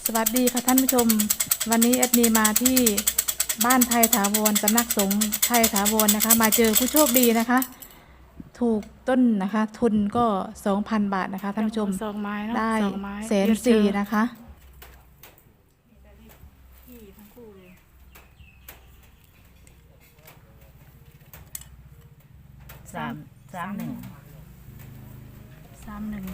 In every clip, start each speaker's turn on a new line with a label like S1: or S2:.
S1: สวัสดีค่ะท่านผู้ชมวันนี้แอดมีมาที่บ้านไทยถาวรสำนักสงฆ์ไทยถาวรนะคะมาเจอผู้โชคดีนะคะถูกต้นนะคะทุนก็ 2,000 บาทนะคะท่านผู้ชม
S2: สองไม้เนาะ
S1: ได้
S2: สองไม้
S1: 140,000นะคะ
S2: พี่ทั้งคู่เลย
S3: สามหนึ่ง
S2: 31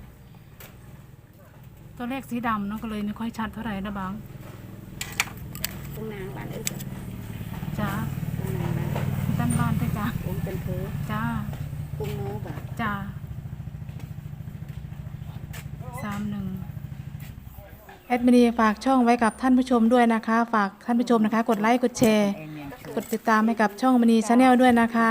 S2: ตัวเลขสีดำเนาะก็เลยไม่ค่อยชัดเท่าไหร่นะบาง
S3: ตรงนางบ้านเอ้ย
S2: จ้า
S3: ตรงนางบ้าน
S2: ด้านบ้านด้วยจ้า
S3: ผมเป็นเพอ
S2: จ้า
S3: กุ้งโน้บ่ะ
S2: จ้า31
S1: แอดมินีฝากช่องไว้กับท่านผู้ชมด้วยนะคะฝากท่านผู้ชมนะคะกดไลค์กดแชร์กดติดตามให้กับช่องมินีชาแนลด้วยนะคะ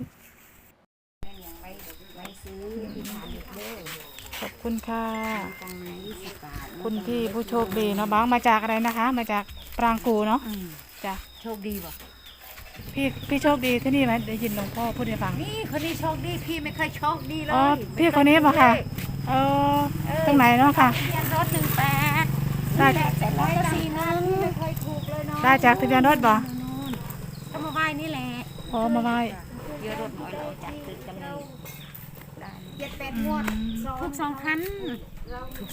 S3: ไว้ซื้อที่ทานเด็กเด้อ
S1: ขอบคุณค่ะ
S3: ตังมา20 บาท
S1: คุณพี่ผู้โชคดีเนาะบ้างมาจากอะไรนะคะ มาจากปรางกูเนาะจ้ะ
S3: โชคดีบ่
S1: พี่โชคดีที่นี่ไหมได้ยินหลวงพ่อพูดให้ฟัง
S3: นี่คนนี้โชคดีพี่ไม่เคยโชคดีเลย
S1: อ๋อพี่คนนี้ป่ะค่ะตรงไหนเนาะค่ะ
S3: ทะเบียนรถ18
S1: ได้
S3: เสร็จแล้วก็41ไม่เคยถูกเลยเนาะ
S1: ได้จากทะเบียนรถบ่
S3: ก็มาไหว้นี่แหละ
S1: อ๋อมาไหว้
S3: เยอะรถน้อยเราจากตึกกันเลย7-8 งวดถูก2,000ถูก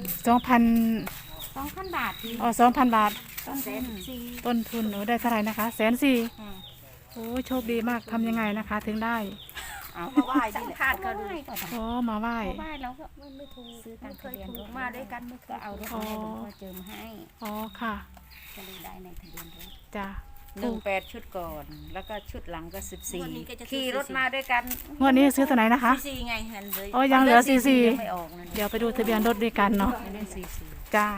S3: 2,000 บาทพี่
S1: อ๋อ2,000 บาท
S3: 2,400
S1: ต้นทุนหนูได้เท่าไหร่นะคะ140,000โอ้โชคดีมากทำยังไงนะคะ ถึงได้
S3: เอามาไหว้ดิพลาดเขาดู
S1: อ๋อมาไหว้
S3: ไหว้แล้วก็ไม่ถูกซื้อตังค์ทะเบียนรถมาด้วยกันก็เอารถมาให้หลวงพ่อเจิมให้
S1: อ๋อค่ะ
S3: ก็เลยได้ในทะเบียนรถ
S1: จ้ะ
S3: 18 ชุดก่อน แล้วก็ชุดหลังก็14ขี่รถมาด้วยกัน
S1: งวดนี้ซื้อตัวไหนนะคะ
S3: 44ไงเห็นเลย
S1: อ๋อยังเหลือ44
S3: ยังไม่ออกนั่น
S1: เดี๋ยวไปดูทะเบียนรถด้วยกันเนาะ
S3: ไม่ได้44
S1: จ้า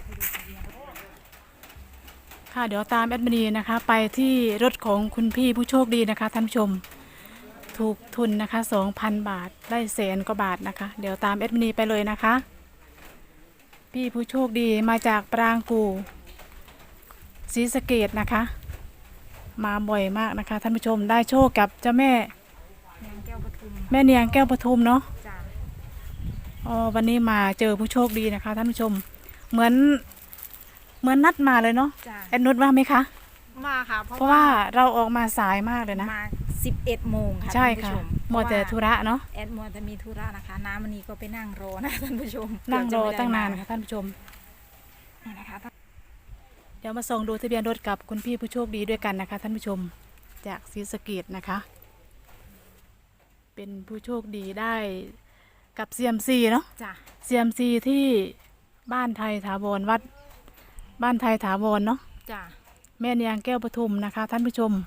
S1: ค่ะเดี๋ยวตามแอดมินีนะคะ ไปที่รถของคุณพี่ผู้โชคดีนะคะท่านผู้ชมถูกทุนนะคะ 2,000 บาทได้100,000 กว่าบาทนะคะ เดี๋ยวตามแอดมินีไปเลยนะคะ พี่ผู้โชคดีมาจากปรางกูศรีสะเกษนะคะ มาบ่อยมากนะคะท่านผู้ชมได้โชคกับเจ้าแม่
S3: นางแก้วปทุม
S1: แม่เนียงแก้วปทุมเนาะ
S3: จ้า
S1: อ๋อวันนี้มาเจอผู้โชคดีนะคะท่านผู้ชมเหมือนนัดมาเลยเนาะ
S3: จ้า
S1: แอดนุชว่าไหมคะ
S3: มาค่ะ
S1: เพราะว่าเราออกมาสายมากเลยนะ
S3: มา11 โมงค่ะ
S1: ใช่
S3: ท่านผู้
S1: ค่ะ
S3: ชม
S1: หมดแต่ธุระเนาะ
S3: แอดมัวแต่มีธุระนะคะ น้ำมันนี้ก็ไปนั่งรอนะท่านผู้ชม
S1: นั่งรอตั้งนาน
S3: ค่ะ
S1: ค่ะท่านผู้ชม
S3: นี่นะคะ
S1: เดี๋ยวมาส่องดูทะเบียนรถกับคุณพี่ผู้โชคดีด้วยกันนะคะท่านผู้ชมจากศรีสะเกษนะคะ เป็นผู้โชคดีได้กับ CMC เนาะ
S3: จ้า
S1: CMC ที่บ้านไทยถาวรวัดบ้านไทยถาวรเนาะ
S3: จ้า
S1: แม่เนียงแก้วปทุมนะคะท่านผู้ชม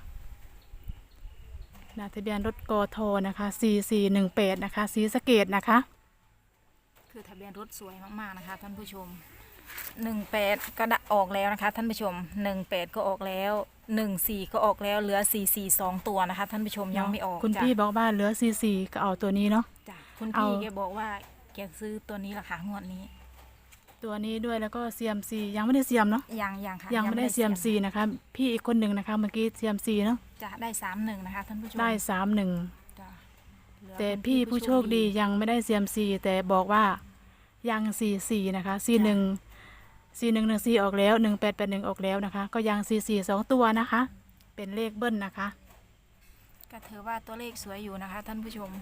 S1: ทะเบียนรถกทนะคะ4418นะคะศรีสะเกษนะคะ
S3: คือทะเบียนรถสวยมากๆนะคะท่านผู้ชม18ก็ออกแล้วนะคะท่านผู้ชม18ก็ออกแล้ว14ก็ออกแล้วเหลือ442ตัวนะคะท่านผู้ชมยังไม่ออก
S1: คุณ
S3: จ้ะ
S1: พี่บอกว่าเหลือ44ก็เอาตัวนี้เนาะ
S3: จ้ะคุณ
S1: เอา
S3: พี่แกบอกว่าแกซื้อตัวนี้ราคางวดนี้
S1: ตัวนี้ด้วยแล้วก็ CMC ยังไม่ได้เสียมเนาะ
S3: ยังค่ะ
S1: ยังไม่ได้ CMC นะคะพี่อีกคนหนึ่งนะคะเมื่อกี้ CMC เนาะ
S3: จะได้31นะคะท่านผู้ชม
S1: ได้31
S3: จ้ะเหลือ
S1: แต่
S3: คุณ
S1: พี่ผู้โชคดียังไม่ได้ CMC แต่บอกว่ายัง44นะคะ4114ออกแล้ว1881ออกแล้วนะคะก็ยัง44 2ตัวนะคะ เป็นเลขเบิ้ลนะคะ
S3: ก็ถือว่าตัวเลขสวยอยู่นะคะท่านผู้ชม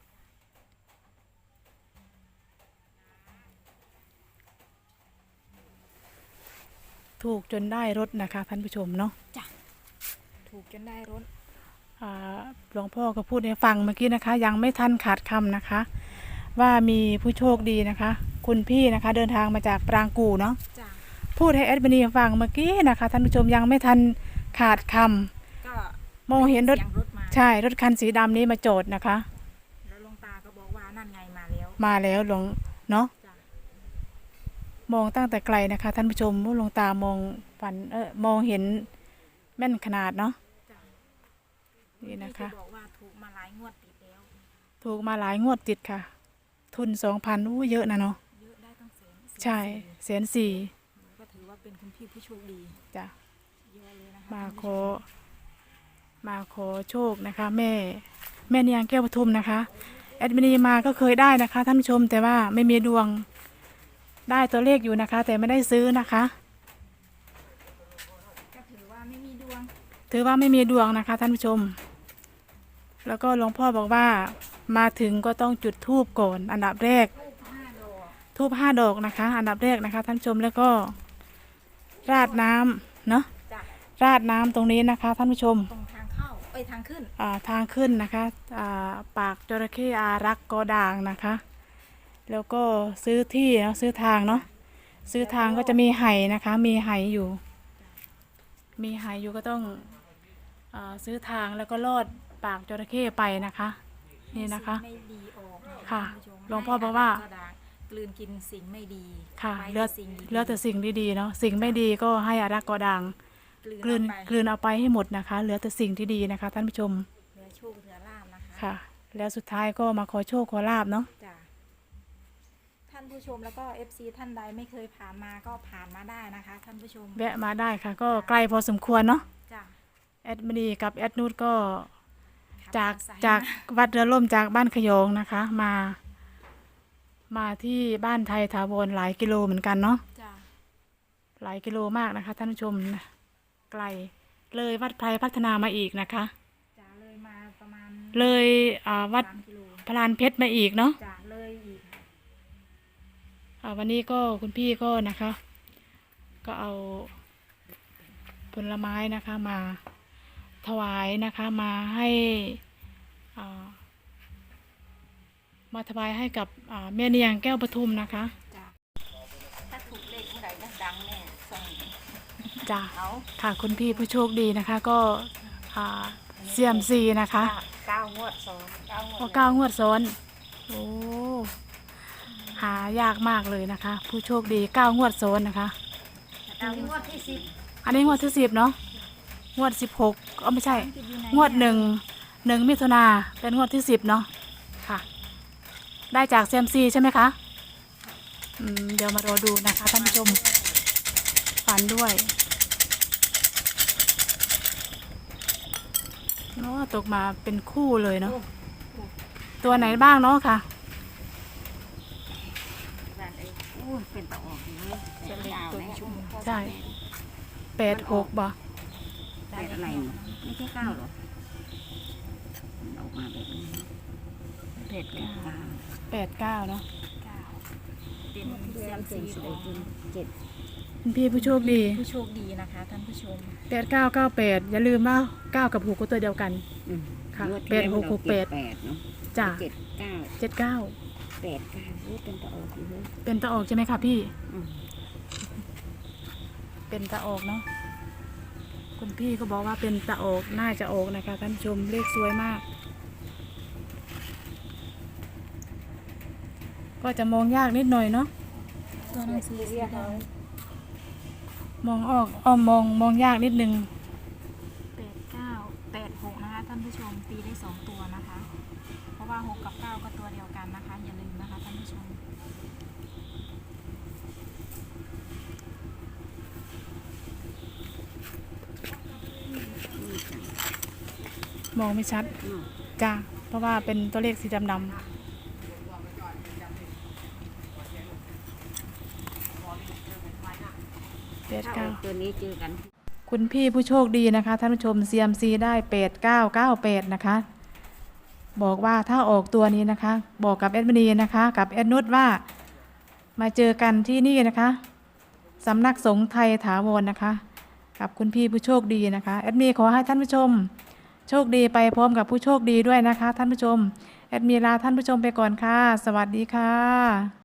S1: ถูกจนได้รถนะคะท่านผู้ชมเนาะ
S3: ถูกจนได้รถ
S1: หลวงพ่อก็พูดให้ฟังเมื่อกี้นะคะ ยังไม่ทันขาดคำนะคะ ว่ามีผู้โชคดีนะคะ คุณพี่นะคะเดินทางมาจากปรางกูเนาะ
S3: จ้ะ
S1: พูดให้แอดมินีฟังเมื่อกี้นะคะท่านผู้ชมยังไม่ทันขาดคำ
S3: ก็
S1: มองเห็นรถ
S3: สียงรถมา
S1: ใช่รถคันสีดำนี้มาจอดนะคะ
S3: แล้วหลวงตาก็บอกว่านั่นไงมาแล้ว
S1: มาแล้วหลวงเนาะ
S3: จ้ะ
S1: มองตั้งแต่ไกลนะคะท่านผู้ชมว่าหลวงตามองฝันมองเห็นแม่นขนาดเนาะ
S3: จ้ะ
S1: นี่นะคะ
S3: พี่บอกว่าถูกมาหลายงวดติดแล้ว
S1: ถูกมาหลายงวดติดค่ะ ทุน 2,000อู้เยอะนะเนาะ
S3: เยอะได้ตั้งแสน
S1: ใช่140,000
S3: ก็ถือว่าเป็นคุณพี่ผู้โชคดี
S1: จ้ะ
S3: เยอะเลยนะคะ
S1: มาขอโชคนะคะ แม่เนียงแก้วปทุมนะคะแอดมินีมาก็เคยได้นะคะท่านผู้ชมแต่ว่าไม่มีดวงได้ตัวเลขอยู่นะคะ แต่ไม่ได้ซื้อนะคะ
S3: ก็ถือว่าไม่มีดวง
S1: ถือว่าไม่มีดวงนะคะท่านผู้ชม แล้วก็หลวงพ่อบอกว่ามาถึงก็ต้องจุดธูปก่อนอันดับแรก
S3: ทูบ5 ดอก
S1: ธูป5 ดอกนะคะ อันดับแรกนะคะท่านผู้ชมแล้วก็ราดน้ำเนาะ
S3: จ้ะ
S1: ราดน้ำตรงนี้นะคะท่านผู้ชม
S3: ตรงทางเข้าทางขึ้น
S1: ทางขึ้นนะคะปากจระเข้อารักษ์กอด่างนะคะ แล้วก็ซื้อที่เนาะซื้อทางเนาะซื้อทางก็จะมีไหนะคะ มีไหอยู่ มีไหอยู่ก็ต้องซื้อทางแล้วก็ลอดปากจระเข้ไปนะคะ นี่นะคะ
S3: สิ่งไม่ดีออกน
S1: ค่ะ
S3: ท่านผู้ชม
S1: หลวงพ่อบอกว่า
S3: ให้กลืนกินสิ่งไม่ดี
S1: ค่ะ
S3: ไว้
S1: เหลือ
S3: แต่สิ่งดีๆ
S1: เหลือแต่สิ่งดีๆเนาะสิ่งไม่ดีก็ให้อารักษ์กอด่างกลืน
S3: เอาไป
S1: กลืนเอาไปให้หมดนะคะ เหลือแต่สิ่งที่ดีนะคะ ท่านผู้ชม
S3: เหลือโชคเหลือลาภนะคะ
S1: ค่ะ แล้วสุดท้ายก็มาขอโชคขอลาบเนาะ
S3: จ้ะท่านผู้ชมแล้วก็ FC ท่านใดไม่เคยผ่านมาก็ผ่านมาได้นะคะ ท่านผู้ชม
S1: แวะมาได้ค่ะ ก็ไกลพอสมควรเนาะ
S3: จ้ะ
S1: แอดมินีกับแอดนูดก็
S3: ขับ
S1: จาก
S3: มอเตอร์ไซค์
S1: จาก
S3: มา
S1: วัดเรือล่มจากบ้านขยงนะคะ มาที่บ้านไทยถาวรหลายกิโลเหมือนกันเนาะ
S3: จ้ะ
S1: หลายกิโลมากนะคะ ท่านผู้ชมนะไกลเลยวัดไพรพัฒนามาอีกนะคะ
S3: จ้ะเลยมาประมาณ
S1: เลยวัด
S3: 3 กิโล
S1: พลานเพชรมาอีกเนาะ
S3: จ้ะเลยอีกค่ะ
S1: วันนี้ก็คุณพี่ก็นะคะ ก็เอาผลไม้นะคะมาถวายนะคะมาให้อ่ามาถวายให้กับแม่เนียงแก้วปทุมนะคะ
S3: จ้ะถ้าถูกเลขเมื่อไหร่จะดังแน่ส่ง
S1: จ้ะ
S3: เอา
S1: ค่ะคุณพี่ผู้โชคดีนะคะก็เซียมซีนะคะ
S3: 9 งวดซ้อน9 งวด
S1: ก็9 งวดซ้อนโอ้หายากมากเลยนะคะ ผู้โชคดี9 งวดซ้อนนะคะ
S3: เอางวดที่
S1: อันนี้งวดที่10เนาะงวด16ก็ไม่ใช่
S3: 10
S1: งวด1 มิถุนาเป็นงวดที่10เนาะค่ะ ได้จากเซียมซีใช่ไหมคะเดี๋ยวมารอดูนะคะท่านผู้ชมฝันด้วยเนาะตกมาเป็นคู่เลยเนาะตัวไหนบ้างเนาะค่ะ
S4: เป็นตะออกอยู่เลย
S3: เป็นเลขตัวชุ่ม
S1: ใช่86บ่
S4: เป็ดอะไรนี่ไม่ใช่ข้าวหรอมันออกมาแบบนี้
S3: เป็ด
S4: เป็ด
S3: 9
S4: ข้าว
S1: 89เนาะ
S3: เป็นเซียมซี
S4: ส
S3: ข
S4: ว
S3: อย ง
S4: จริงเจ็ด
S1: คุณพี่ผู้โชคดี
S3: ผู้โชคดีนะคะท่านผู้ชม
S1: 8998อย่าลืมว่า9กับ6ก็ตัวเดียวกัน
S4: อืม
S1: ค่ะ
S4: งวดที่แล้ว
S1: 8668
S4: เราเจ็ดแปดเนาะ
S1: จ้ะ
S4: เจ็ดเก้า
S1: 79
S4: แปดเก้าเป็นตะออกอยู่เลย
S1: เป็นตะออกใช่ไหมคะพี่
S4: อืม
S1: เป็นตะออกเนาะคุณพี่ก็บอกว่าเป็นตะออกน่าจะออกนะคะท่านผู้ชมเลขสวยมาก ก็จะมองยากนิดหน่อยเนาะ
S3: ตัวหนังสือสีด
S1: มองออกมองยากนิดนึง
S3: ำ89 86นะคะท่านผู้ชมตีได้2 ตัวนะคะ เพราะว่า6กับ9ก็ตัวเดียวกันนะคะ อย่าลืมนะคะท่านผู้ชม
S1: มองไม่ชัด
S4: เนาะ
S1: จ้าเพราะว่าเป็นตัวเลขสีดำๆ
S4: ถ้าออกตัวนี้เจอกัน
S1: คุณพี่ผู้โชคดีนะคะท่านผู้ชม CMC ได้8998นะคะ บอกว่าถ้าออกตัวนี้นะคะ บอกกับแอดมินีนะคะ กับแอดนุชว่ามาเจอกันที่นี่นะคะสำนักสงฆ์ไทยถาวรนะคะ กับคุณพี่ผู้โชคดีนะคะแอดมินีขอให้ท่านผู้ชม โชคดีไปพร้อมกับผู้โชคดีด้วยนะคะ ท่านผู้ชมแอดมินีลาท่านผู้ชมไปก่อนค่ะ สวัสดีค่ะ